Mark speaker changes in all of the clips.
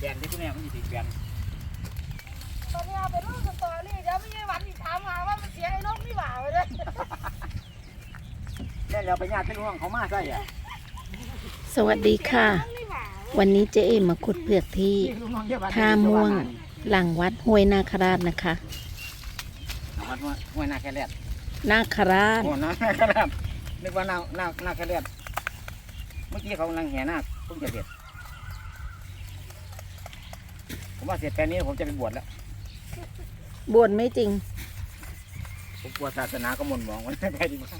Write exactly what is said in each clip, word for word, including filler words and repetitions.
Speaker 1: นที่คุณแม่มันติดแบน
Speaker 2: ตอนนี้เอาไปลงสตอรี่เดี๋ยวไม่ใช่วันที่ถามมาว่ามันเสียไอ้นกนี่หว่าเลย
Speaker 1: แค่เราไปญาติเป็นห่วงเขามาใช่อ่ะ
Speaker 3: สวัสดีค่ะวันนี้เจ๊เอ็มมาขุดเปลือกที่ท่าม่วงหลังวัดห้วยนาคราชนะคะ
Speaker 1: วัดห้วยนาคราช
Speaker 3: นาคราช
Speaker 1: โอ้นาคราชนึกว่านานานาคราชเมื่อกี้เขากำลังแห่นาคเพิ่งจะเสร็จผมว่าเสร็จแปลนี้ผมจะไปบวชแล้ว
Speaker 3: บวชไม่จริง
Speaker 1: ผมกลัวศาสนาก็หม่นหมองไว้ไปดีมาก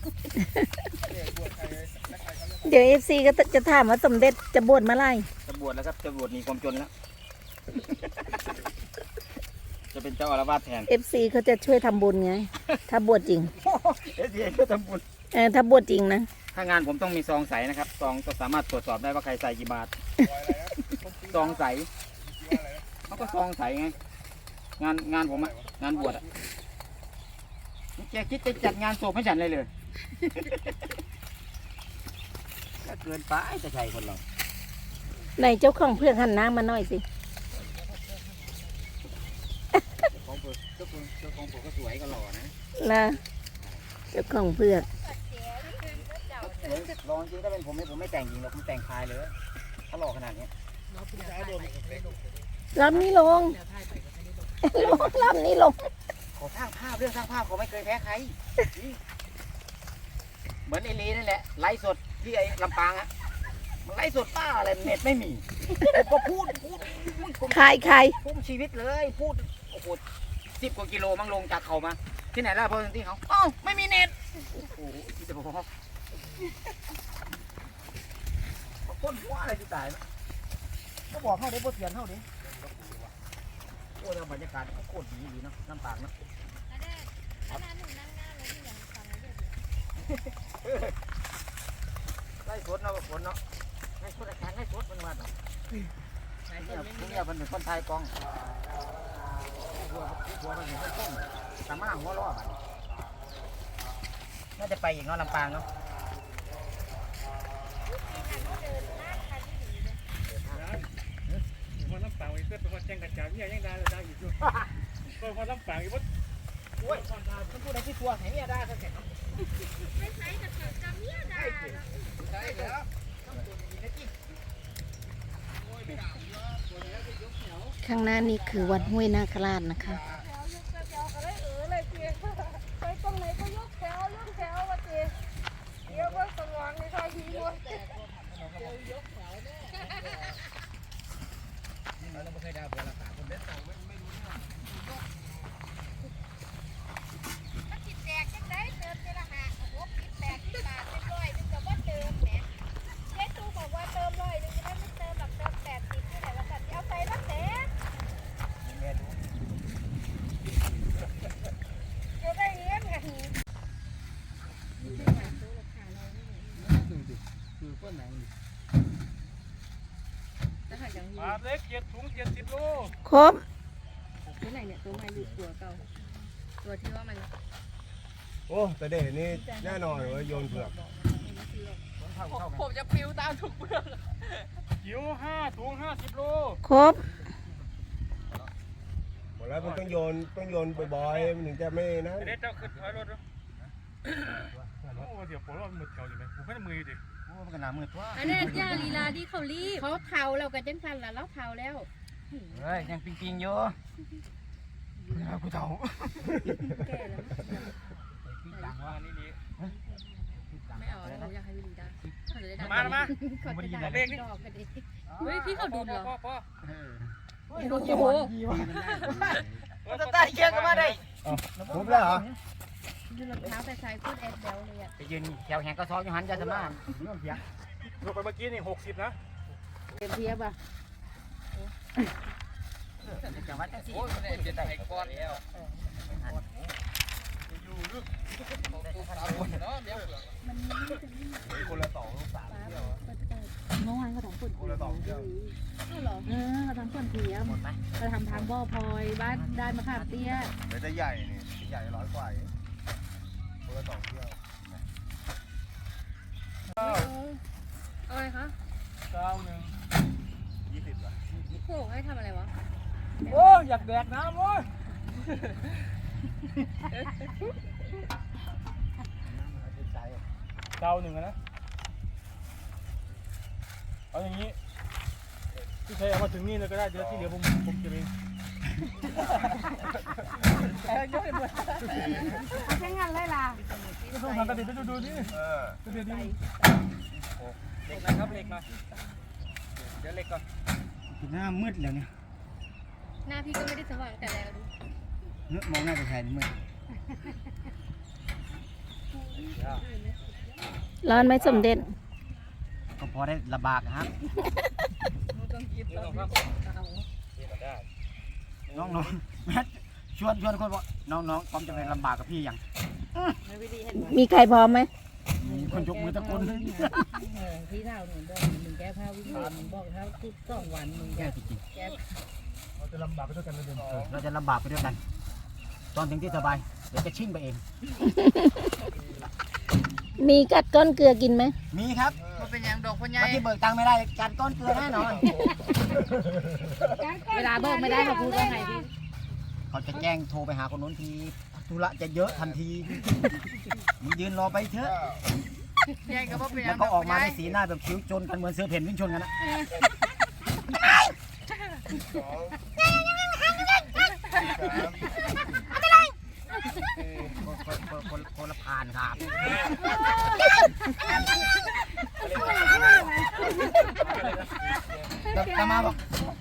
Speaker 3: เดี๋ยวเอฟซีก็จะถามว่าสมเด็จจะบวชเมื่อไร
Speaker 1: จะบวชแล้วครับจะบวชหนีความจนแล้วจะเป็นเจ้าอาวาสแทน
Speaker 3: เอฟซีเขาจะช่วยทำบุญไงถ้าบวชจริง
Speaker 1: เอฟซีก็ทำบุญ
Speaker 3: เออถ้าบวชจริงนะ
Speaker 1: ถ้างานผมต้องมีซองใสนะครับซองก็สามารถตรวจสอบได้ว่าใครใส่กี่บาทซองใสเขาก็ซองใสไงงานงานผมอะงานบวชอะแกคิดจะจัดงานศพให้ฉันเลยเลยก็เกินไปจะใช่คนเรา
Speaker 3: ในเจ้าของเพื่อนหันหน้ามาหน่อยสิ
Speaker 1: ของเพื่อนเจ้าของเจ้าของผมก็สวยก็หล่อนะ
Speaker 3: นะเจ้าของเพื่อน
Speaker 1: ลองจริงถ้าเป็นผมเนี่ยผมไม่แต่งจริงหรอกผมแต่งคายเลยถ้าหล่อขนาดนี้
Speaker 3: ลำนี้ลงลำนี้ลง
Speaker 1: ขอสร้างภาพเรื่องสร้างภาพเขาไม่เคยแพ้ใครเหมือนไอ้ลีนั่นแหละไลฟ์สดที่ไอ้ลำปางอะมันไลฟ์สดป้าอะไรเน็ตไม่มีก็พูดพูด
Speaker 3: ใครใคร
Speaker 1: พูดชีวิตเลยพูดโอ้โหสิบกว่ากิโลมั่งลงจากเขามาที่ไหนล่ะพอที่เขาอ้าวไม่มีเน็ตโอ้โหที่จะบอกคนหัวอะไรที่ตายนะก็บอกเขาได้บทเรียนเขาดิโอ้ยบรรยากาศโคตรดีดีเนาะน้ำปางเนาะไล่สดเนาะฝนเนาะไล่สดอาจารย์ไล่สดมันมาเนาะเนี่ยพวกเนี่ยมันเป็นคนไทยกองหัวหัวมันเป็นคนต้มสามารถหัวล้อมันน่าจะไปอีกเนาะลำปางเนาะ
Speaker 4: คนลำปางอีกเพื่อนเป็นคนแจ้งกระจายเนี่ยยังได้เลยได้อยู่ด้วยคนคนลำปางอีกว่า
Speaker 1: โอ้ยคนดาคนพูดอะไรที่ตัวไหนเนี่ยได้ก็เสร็จไม่ใช่จะเกิดจำเนี่ยได้ใช่แล้ว
Speaker 3: ข้างหน้านี่คือวัดห้วยนาคราชนะคะ
Speaker 2: ไปตรงไหนก็ยกแถวยกแถวว่าเจ๊เดี๋ยวว่าสว่างในทางทีมวย
Speaker 1: เราไม่เคยได้บัวราคาคนเด็ดเราไม่ไม่รู้เรื่อง
Speaker 2: ถ้าติดแตกจังได้เติมเจละหาโอ้โหติดแตกที่บาทเป็นร้อยนึงกับว่าเติมแหมเจ๊ตูบอกว่าเติมร้อยนึงจะได้ไม่เติมหลักเติมแปดสิบที่ไหนว่ากันเอาใส่ละแสนจะได้เงี้ยกัน
Speaker 4: คือก้นหนังปลาเล็กเจ็ดถุงเจ็ดสิบโล
Speaker 3: ครบ
Speaker 2: ตัวไหนเนี่ยตัวใหม่หรือตัวเก่าตัวที่ว่ามัน
Speaker 5: โอ้แต่เด็กนี่แน่นอนว่าโยนเผือก
Speaker 2: ผมจะปิ้วตามทุกเปลือก
Speaker 4: จิ๋วห้าถุงห้าสิบโล
Speaker 3: ครบ
Speaker 5: หมดแล้วมันต้องโยนต้องโยนบ่อยๆมันถึงจะไม่นะ
Speaker 4: เด็ดเจ้าขึ้นถอยรถด้วยโอ้เดี๋ยวผมว่ามือเท่าอยู่ไหมผมไม่ได้มือดิ
Speaker 1: โอ้มันก็หนามือทั่ว
Speaker 2: อันนี้ย่าลีลาที่เขารีบเขาเทาแล้วกันจังสันแล้วเราเทาแล้ว
Speaker 1: เฮ้ยยังปิงปิงอยู่กูเทา
Speaker 2: แก่แล้ว
Speaker 4: ต่างว่านี่นี่
Speaker 2: ไม่เอาเราอยากให้วิลีได้
Speaker 4: มามา
Speaker 2: เขาจะได้เบรกนี่เฮ้ยพี่เขาดูเหรอ
Speaker 1: โอ้โหมันจะตายเยอะก็มาได้
Speaker 5: ครบแล้วเหรอ
Speaker 2: ยืนรองเท้าแต่ใส่พูดแอดเบลเลยอ่ะ
Speaker 1: ไปยืนแถวแหงก็ซ้อนอยู่หันจะสมาเรื่องเพียง
Speaker 4: ลงไปเมื่อกี้นี่หกสิบนะ
Speaker 2: เต็มเทียบอ่ะ
Speaker 1: จังหวัดที่โอ้ยมันเป็นไอ้ก้อนแล้วอยู่ลึก
Speaker 5: คนละสองลูกสามเที่ยว
Speaker 2: เมื่อวานเขาทำฝน
Speaker 5: คนละสองเที่ยว
Speaker 2: เหรอเออเขาทำฝนเทียมเขาทำทางบ่อพลอยบ้านด้านมะขามเตี้ย
Speaker 5: เดี๋ยวจะใหญ่นี่ใหญ่ร้อยกว่าคนละสองเที่ยว
Speaker 2: อะไรคะ
Speaker 4: เก้าหนึ่ง
Speaker 5: สิบอ่ะ
Speaker 2: โอ้ให้ทำอะไรวะ
Speaker 4: โอ้อยากแดกน้ำโว้ย
Speaker 5: ใจ
Speaker 4: เจ้าหนึ่งอะนะเอาอย่างนี้พี่ชัยเอามาถึงนี่เลยก็ได้เดี๋ยวที่เหลือผมผมเก็บเอง
Speaker 2: ใช้งานเลยล่ะ
Speaker 4: ก็ต้องหันกระดิ่งไปดูดูนี่
Speaker 5: เออก
Speaker 4: ระดิ่งนี่
Speaker 1: เหล็กหนะครับเหล็กหน่อยเดี๋ยวเหล็กก่อนหน้ามืดแล้วเนี่ย
Speaker 2: หน้าพี่ก็ไม่ได้สว่างแต่แล้วดู
Speaker 1: นึกมองหน้าไปแทนมืด
Speaker 3: ร้อนไหมสมเด็จ
Speaker 1: ก็พอได้ระบากนะครับ น้องน้องแม่ชวนชวนคนบอกน้องน้องพร้อมจะไปลำบากกับพี่ยัง
Speaker 3: มีใครพร้อมไหม
Speaker 1: มีคนยกมือตะโกน
Speaker 6: พี่เท่าหนูบอกมึงแก้ผ้าวิ่งมึงบอกเท่าทุกสองวันมึง
Speaker 1: แย่
Speaker 6: แก้
Speaker 1: จริง
Speaker 6: แก้
Speaker 4: เราจะลำบากไปด้วยกันเลยเดิม
Speaker 1: ๆเราจะลำบากไปด้วยกัน ตอนถึงที่สบายเดี๋ยวจะชิ่งไปเอง
Speaker 3: มีกัดก้อนเกลือกินไหม
Speaker 1: มีครับ
Speaker 6: มันเป็นอย่างดอกพ่อใหญ่
Speaker 1: วันที่เบิกตังค์ไม่ได้การก้อนเกลือแน่นอน
Speaker 6: เวลาบอกไม่ได้เขาพูดว่าไงพี่
Speaker 1: เขาจะแจ้งโทรไปหาคนนู้นทีธุระจะเยอะทันทีมึงยืนรอไปเถอะ
Speaker 6: ใหญ่ก็บอกเป็นอ
Speaker 1: แล้
Speaker 6: ย่าว ง
Speaker 1: ก็ออกมาในสีหน้าแบบคิ้วจนกันเหมือนเสือเพ่นวิ่งชนกันนะ
Speaker 5: สองสามสี่
Speaker 1: คนคนคนคนละผ่านครับตามาบอก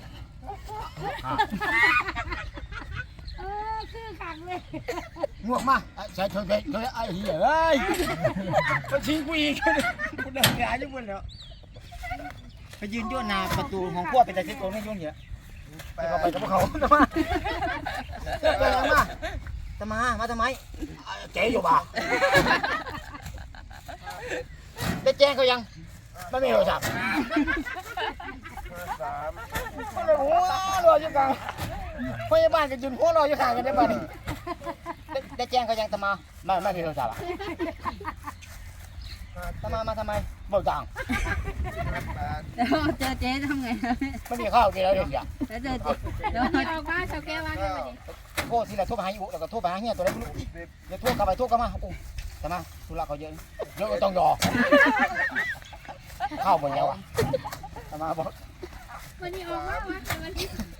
Speaker 2: เออคือขังเลย
Speaker 1: งวกมาใช้เธอเธอเธอไอ้เหี้ยเอ้ยก็ชิงกูอีกกูเดินหายทุกคนแล้วไปยืนยั่วนาประตูของขั้วเป็นแต่เช็ดตัวไม่ยุ่งเยอะไปเขาไปกับพวกเขาตามาตามาตามามาทำไมเจ๊อยู่บ่าได้แจ้งเขายังไม่มีโทรศัพท์
Speaker 5: สาม
Speaker 1: มันเลยหัวรออยู่กลางพยาบาลกับจุนหัวรออยู่ข้างกันได้ป่ะนี่ได้ได้แจ้งเขายังตามาไม่ไม่มีโทรศัพท์อ่ะตามามาทำไมเบิกตังค์
Speaker 5: แปด
Speaker 6: แล้วเจอเจ๊ทำไง
Speaker 1: ไม่มีข้าวกินแล้วเดี๋ยว
Speaker 6: แล้วเจอเจ๊แล้ว
Speaker 2: นี่ออกมาชาวแก้วว่าได้ไหมดิ
Speaker 1: โทษทีละโทษไปหาอยู่แล้วก็โทษไปหาเฮียตัวไหนไม่รู้เดี๋ยวโทษกลับไปโทษกลับมาโอ้ทำไมธุระเขาเยอะเยอะก็ต้องรอเข้าหมดแล้วอ่ะทำไมบอก
Speaker 2: วันนี้ออกมาวะวันนี้